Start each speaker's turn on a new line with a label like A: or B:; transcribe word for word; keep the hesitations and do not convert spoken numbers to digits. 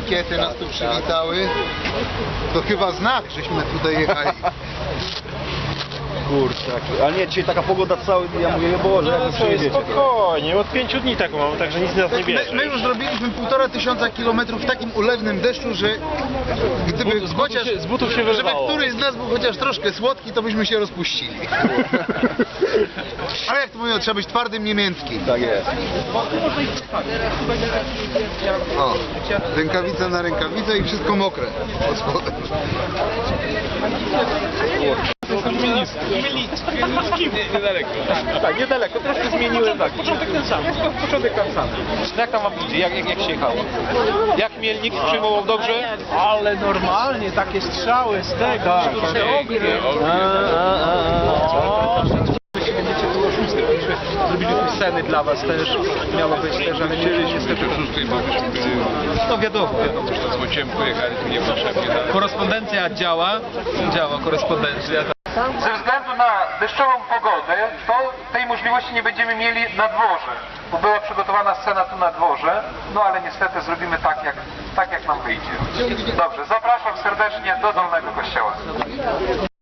A: Pikiety nas tu przywitały. To chyba znak, żeśmy tutaj jechali.
B: Kurczak, a nie, dzisiaj taka pogoda cały, ja mówię, Boże, jak wy przyjedziecie.
C: Spokojnie, od pięciu dni taką mamy, także nic nas nie
A: My,
C: bierze.
A: my już zrobiliśmy półtora tysiąca kilometrów w takim ulewnym deszczu, że gdyby
C: Z butów
A: chociaż,
C: się- z butów się
A: żeby
C: wyrwało.
A: któryś z nas był chociaż troszkę słodki, to byśmy się rozpuścili. Ale jak to mówią, trzeba być twardym niemieckim.
B: Tak jest.
A: O, rękawica na rękawicę i wszystko mokre pod spodem.
C: Niedaleko. Tak, niedaleko, troszkę zmieniłem, tak. Początek ten sam, początek ten sam. Jak tam wam idzie? Jak, jak, jak się jechało? Jak Mielnik przyjmował dobrze?
D: Ale normalnie, takie strzały z tego,
C: Tak,
D: te ogry.
C: Będziecie tu oszusty. Zrobiliśmy sceny dla was też, miało być też, ale nie, niestety... No wiadomo, wiadomo.
E: Po ciemku jechali, tu niepotrzebnie.
C: Korespondencja działa, działa korespondencja. Ze względu na deszczową pogodę, to tej możliwości nie będziemy mieli na dworze, bo była przygotowana scena tu na dworze, no ale niestety zrobimy tak, jak, tak jak nam wyjdzie. Dobrze, zapraszam serdecznie do Dolnego Kościoła.